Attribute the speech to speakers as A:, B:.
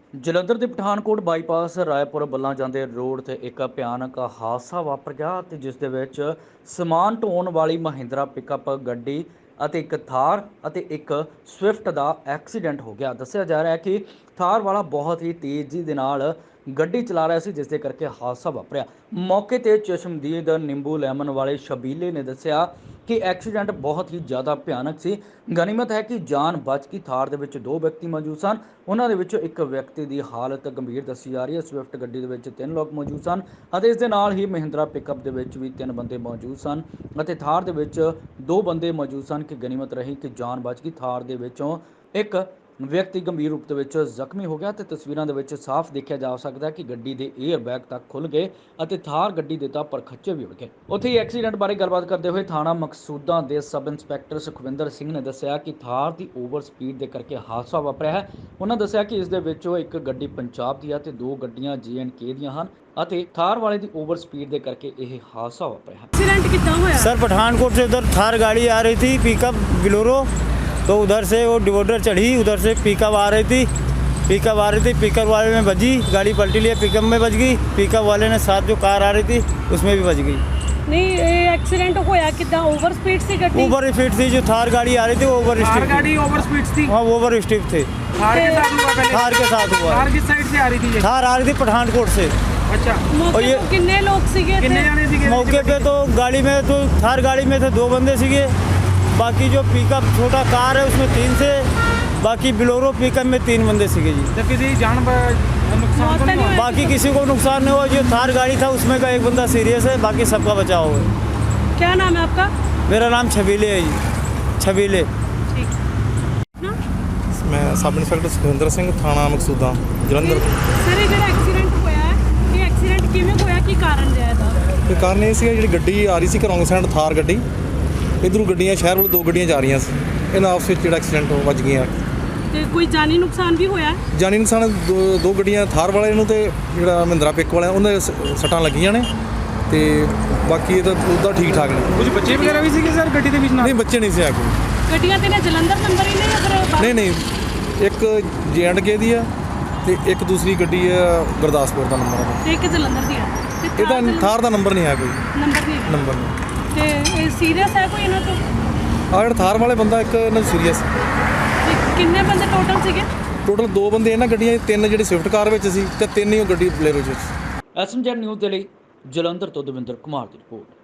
A: ਜਲੰਧਰ ਦੇ ਪਠਾਨਕੋਟ ਬਾਈਪਾਸ ਰਾਏਪੁਰ ਬੱਲਾਂ ਜਾਂਦੇ ਰੋਡ ਤੇ ਇੱਕ ਭਿਆਨਕ ਹਾਦਸਾ ਵਾਪਰ ਗਿਆ ਤੇ ਜਿਸ ਦੇ ਵਿੱਚ ਸਮਾਨ ਢੋਣ ਵਾਲੀ ਮਹਿੰਦਰਾ ਪਿਕਅਪ ਗੱਡੀ ਅਤੇ ਇੱਕ ਥਾਰ ਅਤੇ ਇੱਕ ਸਵਿਫਟ ਦਾ ਐਕਸੀਡੈਂਟ ਹੋ ਗਿਆ। ਦੱਸਿਆ ਜਾ ਰਿਹਾ ਹੈ ਕਿ ਥਾਰ ਵਾਲਾ ਬਹੁਤ ਹੀ ਤੇਜ਼ੀ ਦੇ ਨਾਲ ਗੱਡੀ ਚਲਾ ਰਿਹਾ ਸੀ, ਜਿਸ ਦੇ ਕਰਕੇ ਹਾਦਸਾ ਵਾਪਰਿਆ। ਮੌਕੇ ਤੇ ਚਸ਼ਮਦੀਦ ਨਿੰਬੂ ਲੈਮਨ ਵਾਲੇ ਸ਼ਬੀਲੇ ਨੇ ਦੱਸਿਆ ਕਿ ਐਕਸੀਡੈਂਟ ਬਹੁਤ ਹੀ ਜ਼ਿਆਦਾ ਭਿਆਨਕ ਸੀ। ਗਨੀਮਤ ਹੈ ਕਿ ਜਾਨ ਬਚ ਗਈ। ਥਾਰ ਦੇ ਵਿੱਚ 2 ਵਿਅਕਤੀ ਮੌਜੂਦ ਸਨ, ਉਹਨਾਂ ਦੇ ਵਿੱਚੋਂ ਇੱਕ ਵਿਅਕਤੀ ਦੀ ਹਾਲਤ ਗੰਭੀਰ ਦੱਸੀ ਜਾ ਰਹੀ ਹੈ। ਸਵਿਫਟ ਗੱਡੀ ਦੇ ਵਿੱਚ 3 ਲੋਕ ਮੌਜੂਦ ਸਨ ਅਤੇ ਇਸ ਦੇ ਨਾਲ ਹੀ ਮਹਿੰਦਰਾ ਪਿਕਅਪ ਦੇ ਵਿੱਚ ਵੀ 3 ਬੰਦੇ ਮੌਜੂਦ ਸਨ ਅਤੇ ਥਾਰ ਦੇ ਵਿੱਚ 2 ਬੰਦੇ ਮੌਜੂਦ ਸਨ ਕਿ ਗਨੀਮਤ ਰਹੀ ਕਿ ਜਾਨ ਬਚ ਗਈ। ਥਾਰ ਦੇ ਵਿੱਚੋਂ ਇੱਕ ਵਿਅਕਤੀ ਗੰਭੀਰ ਰੂਪ ਦੇ ਵਿੱਚ ਜ਼ਖਮੀ ਹੋ ਗਿਆ ਤੇ ਤਸਵੀਰਾਂ ਦੇ ਵਿੱਚ ਸਾਫ਼ ਦੇਖਿਆ ਜਾ ਸਕਦਾ ਹੈ ਕਿ ਗੱਡੀ ਦੇ 에ਅਰ ਬੈਗ ਤੱਕ ਖੁੱਲ ਗਏ ਅਤੇ ਥਾਰ ਗੱਡੀ ਦੇ ਤਾਂ ਪਰਖੱਚੇ ਵੀ ਉੜ ਗਏ। ਉੱਥੇ ਹੀ ਐਕਸੀਡੈਂਟ ਬਾਰੇ ਗੱਲਬਾਤ ਕਰਦੇ ਹੋਏ ਥਾਣਾ ਮਕਸੂਦਾਂ ਦੇ ਸਬ ਇੰਸਪੈਕਟਰ ਸੁਖਵਿੰਦਰ ਸਿੰਘ ਨੇ ਦੱਸਿਆ ਕਿ ਥਾਰ ਦੀ ਓਵਰ ਸਪੀਡ ਦੇ ਕਰਕੇ ਹਾਦਸਾ ਵਾਪਰਿਆ ਹੈ। ਉਹਨਾਂ ਦੱਸਿਆ ਕਿ ਇਸ ਦੇ ਵਿੱਚੋਂ ਇੱਕ ਗੱਡੀ ਪੰਜਾਬ ਦੀ ਹੈ ਤੇ 2 ਗੱਡੀਆਂ J&K ਦੀਆਂ ਹਨ ਅਤੇ ਥਾਰ वाले की ओवर स्पीड के करके यह हादसा वापरिया।
B: एक्सीडेंट कितना हुआ?
C: सर पठानकोट से उधर थार गाड़ी आ रही थी, पिकअप बिलोरो, तो उधर से वो डिवोडर चढ़ी, उधर से पिकअप आ रही थी, पिकअप वाले में बजी, गाड़ी पलटी लिए, पिकअप में बज गई, पिकअप वाले ने साथ जो कार आ रही थी उसमें भी बज गई।
B: नहीं एक्सीडेंट होया कितना? ओवर स्पीड से गड्डी?
C: ओवर स्पीड थी, जो थार गाड़ी आ रही थी ओवर स्पीड,
D: गाड़ी ओवर स्पीड थी।
C: हाँ ओवर स्पीड थे।
D: थार के साथ हुआ पहले?
C: थार के साथ हुआ।
D: थार किस साइड से आ रही थी ये?
C: थार आ रही थी पठानकोट से।
D: अच्छा,
B: मौके
C: ये-
B: पे कितने लोग सीगे थे?
D: कितने जाने सीगे?
C: मौके पे तो गाड़ी में तो थार गाड़ी में थे 2 बंदे सीगे, बाकी जो पिकअप छोटा कार है उसमें 3 से, बाकी बिलोरो पिकअप में 3 बंदे सीगे जी।
D: तो किसी जान नुकसान तो
B: मौत
D: नहीं
B: नहीं
D: हुआ?
B: हुई?
C: बाकी किसी को नुकसान नहीं हुआ। जो थार गाड़ी था उसमें का एक बंदा सीरियस है, बाकी सबका बचाव है।
B: क्या नाम है आपका?
C: मेरा नाम छबीले है जी, छबीले।
B: ठीक ना
E: मैं सब इंस्पैक्टर सुखविंदर सिंह थाना मकसूदा जलंधर।
B: सर ये एक्सीडेंट होया है, ये एक्सीडेंट किवें होया, की कारण ਰਿਹਾ ਦਾ?
E: ਤੇ ਕਾਰਨ ਇਹ ਸੀਗਾ ਜਿਹੜੀ ਗੱਡੀ ਆ ਰਹੀ ਸੀ ਰੌਂਗ ਸਾਈਡ ਥਾਰ ਗੱਡੀ, ਇਧਰੋਂ ਗੱਡੀਆਂ ਸ਼ਹਿਰ ਵੱਲ 2 ਗੱਡੀਆਂ ਜਾ ਰਹੀਆਂ ਸੀ, ਇਹਨਾਂ ਆਪਸ ਵਿੱਚ ਜਿਹੜਾ ਐਕਸੀਡੈਂਟ ਹੋ ਵੱਜ ਗਈਆਂ।
B: ਤੇ ਕੋਈ ਜਾਨੀ ਨੁਕਸਾਨ ਵੀ ਹੋਇਆ?
E: ਜਾਨੀ ਨੁਕਸਾਨ 2 ਗੱਡੀਆਂ ਥਾਰ ਵਾਲੇ ਨੂੰ ਤੇ ਜਿਹੜਾ ਮਹਿੰਦਰਾ ਪਿਕ ਵਾਲਾ ਉਹਨਾਂ ਦੇ ਸੱਟਾਂ ਲੱਗੀਆਂ ਨੇ ਤੇ ਬਾਕੀ ਇਹ ਤਾਂ ਉਹਦਾ ਠੀਕ ਠਾਕ ਨੇ।
D: कुछ बच्चे वगैरह भी सीगे सर ਗੱਡੀ ਦੇ ਵਿੱਚ?
E: ਨਹੀਂ ਬੱਚੇ ਨਹੀਂ ਸੀ ਆ ਕੋਈ।
B: ਗੱਡੀਆਂ ਤੇ ਨੇ ਜਲੰਧਰ ਨੰਬਰ ਹੀ ਨੇ ਅਗਰ?
E: ਨਹੀਂ ਇੱਕ J&K ਦੀ ਆ ਤੇ ਇੱਕ ਦੂਸਰੀ ਗੱਡੀ ਆ ਗੁਰਦਾਸਪੁਰ ਦਾ ਨੰਬਰ ਆ।
B: ਤੇ ਇੱਕ ਜਲੰਧਰ ਦੀ ਹੈ ਤੇ
E: ਇਹਦਾ ਥਾਰ ਦਾ ਨੰਬਰ ਨਹੀਂ ਆ ਕੋਈ,
B: ਨੰਬਰ ਨਹੀਂ ਹੈ।
E: ਨੰਬਰ ਨਹੀਂ।
B: ਤੇ ਇਹ ਸੀਰੀਅਸ ਹੈ ਕੋਈ ਇਹਨਾਂ ਤੋਂ?
E: ਆ ਜਿਹੜਾ ਥਾਰ ਵਾਲੇ ਬੰਦਾ ਇੱਕ ਇਹਨਾਂ ਸੀਰੀਅਸ।
B: ਤੇ ਕਿੰਨੇ ਬੰਦੇ ਟੋਟਲ ਸੀਗੇ?
E: ਟੋਟਲ 2 ਬੰਦੇ ਇਹਨਾਂ ਗੱਡੀਆਂ 'ਚ, 3 ਜਿਹੜੀ ਸਵਿਫਟ ਕਾਰ ਵਿੱਚ ਸੀ ਤੇ 3 ਹੀ ਉਹ ਗੱਡੀ ਬਲੇਰੋ 'ਚ ਸੀ।
A: SMZ ਨਿਊਜ਼ ਦੇ ਲਈ ਜਲੰਧਰ ਤੋਂ ਦਵਿੰਦਰ ਕੁਮਾਰ ਦੀ ਰਿਪੋਰਟ।